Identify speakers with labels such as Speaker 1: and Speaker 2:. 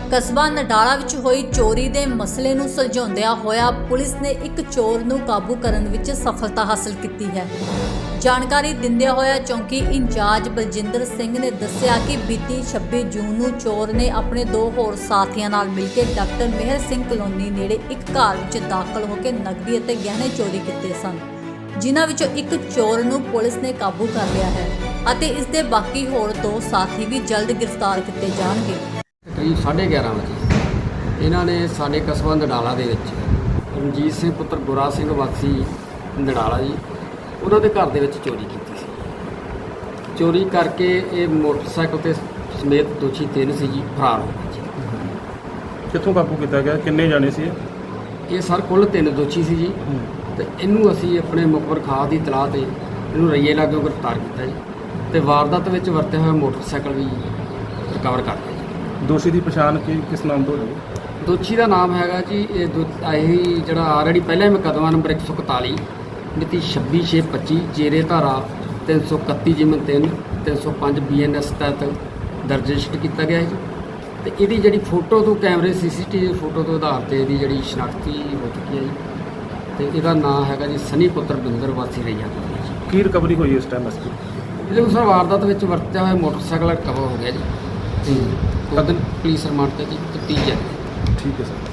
Speaker 1: ਕਸਬਾ ਨਡਾਲਾ ਵਿੱਚ ਹੋਈ ਚੋਰੀ ਦੇ ਮਸਲੇ ਨੂੰ ਸੁਲਝਾਉਂਦਿਆਂ ਹੋਇਆ ਪੁਲਿਸ ਨੇ ਇੱਕ ਚੋਰ ਨੂੰ ਕਾਬੂ ਕਰਨ ਵਿੱਚ ਸਫਲਤਾ ਹਾਸਲ ਕੀਤੀ ਹੈ। ਜਾਣਕਾਰੀ ਦਿੰਦਿਆਂ ਹੋਇਆ ਚੌਂਕੀ ਇੰਚਾਰਜ ਬਲਜਿੰਦਰ ਸਿੰਘ ਨੇ ਦੱਸਿਆ ਕਿ ਬੀਤੀ 26 ਜੂਨ ਨੂੰ ਚੋਰ ਨੇ ਆਪਣੇ 2 ਹੋਰ ਸਾਥੀਆਂ ਨਾਲ ਮਿਲ ਕੇ ਡਾਕਟਰ ਮਿਹਰ ਸਿੰਘ ਕਲੋਨੀ ਨੇੜੇ ਇੱਕ ਘਰ ਵਿੱਚ ਦਾਖਲ ਹੋ ਕੇ ਨਕਦੀ ਅਤੇ ਗਹਿਣੇ ਚੋਰੀ ਕੀਤੇ ਸਨ, ਜਿਨ੍ਹਾਂ ਵਿੱਚੋਂ ਇੱਕ ਚੋਰ ਨੂੰ ਪੁਲਿਸ ਨੇ ਕਾਬੂ ਕਰ ਲਿਆ ਹੈ ਅਤੇ ਇਸ ਦੇ ਬਾਕੀ ਹੋਰ 2 ਸਾਥੀ ਵੀ ਜਲਦ ਗ੍ਰਿਫਤਾਰ ਕੀਤੇ ਜਾਣਗੇ।
Speaker 2: ਕਰੀਬ 11:30 ਵਜੇ ਇਹਨਾਂ ਨੇ ਸਾਡੇ ਕਸਬਾ ਨਡਾਲਾ ਦੇ ਵਿੱਚ ਰਣਜੀਤ ਸਿੰਘ ਪੁੱਤਰ ਗੁਰਾ ਸਿੰਘ ਵਾਸੀ ਨਡਾਲਾ ਜੀ ਉਹਨਾਂ ਦੇ ਘਰ ਦੇ ਵਿੱਚ ਚੋਰੀ ਕੀਤੀ ਸੀ। ਚੋਰੀ ਕਰਕੇ ਇਹ ਮੋਟਰਸਾਈਕਲ ਤੇ ਸਮੇਤ ਦੋਸ਼ੀ 3 ਸੀ ਜੀ ਫਰਾਰ ਹੋ ਗਏ ਜੀ।
Speaker 3: ਕਿੱਥੋਂ ਕਾਬੂ ਕੀਤਾ ਗਿਆ? ਕਿੰਨੇ ਜਾਣੇ ਸੀ
Speaker 2: ਇਹ ਸਰ ਕੁੱਲ 3 ਦੋਸ਼ੀ ਸੀ ਜੀ ਤੇ ਇਹਨੂੰ ਅਸੀਂ ਆਪਣੇ ਮੁਖਬਰ ਖਾਸ ਦੀ ਇਤਲਾਹ ਤੇ ਇਹਨੂੰ ਰਈਏ ਲਾਗੋਂ ਗ੍ਰਿਫਤਾਰ ਕੀਤਾ ਜੀ ਤੇ ਵਾਰਦਾਤ ਵਿੱਚ ਵਰਤਿਆ ਹੋਇਆ ਮੋਟਰਸਾਈਕਲ ਵੀ ਰਿਕਵਰ ਕਰ ਲਿਆ ਜੀ।
Speaker 3: ਦੋਸ਼ੀ ਦੀ ਪਛਾਣ ਕਿਸ ਨਾਮ ਤੋਂ ਹੋਈ?
Speaker 2: ਦੋਸ਼ੀ ਦਾ ਨਾਮ ਹੈਗਾ ਜੀ ਇਹੀ ਜਿਹੜਾ ਆਲਰੇਡੀ ਪਹਿਲਾਂ ਹੀ ਮੁਕੱਦਮਾ ਨੰਬਰ 141 ਮਿਤੀ 26/6/25 ਜੇਰੇ ਧਾਰਾ 331 ਜਿਮਨ 3 305 BNS ਤਹਿਤ ਦਰਜ ਰਜਿਸਟਰ ਕੀਤਾ ਗਿਆ ਹੈ ਜੀ ਤੇ ਇਹਦੀ ਜਿਹੜੀ ਫੋਟੋ ਤੋਂ ਕੈਮਰੇ CCTV ਫੋਟੋ ਤੋਂ ਆਧਾਰ ਤੇ ਇਹਦੀ ਜਿਹੜੀ ਸ਼ਨਾਖਤੀ ਹੋ ਚੁੱਕੀ ਹੈ ਜੀ ਤੇ ਇਹਦਾ ਨਾਮ ਹੈਗਾ ਜੀ ਸਨੀ ਪੁੱਤਰ ਬਿੰਦਰ ਵਾਸੀ ਰਈਆ ਜੀ।
Speaker 3: ਕੀ ਰਿਕਵਰੀ ਹੋਈ ਇਸ ਟਾਈਮ ਅਸਲੀ?
Speaker 2: ਇਹਦੇ ਅਨੁਸਾਰ ਵਾਰਦਾਤ ਵਿੱਚ ਵਰਤਿਆ ਹੋਇਆ ਮੋਟਰਸਾਈਕਲ ਰਿਕਵਰ ਹੋ ਗਿਆ ਜੀ ਤੇ ਕਦਨ ਪੁਲਿਸ ਰਿਮਾਂਡ ਤੇ ਜੀ 30
Speaker 3: ਠੀਕ ਹੈ ਸਰ।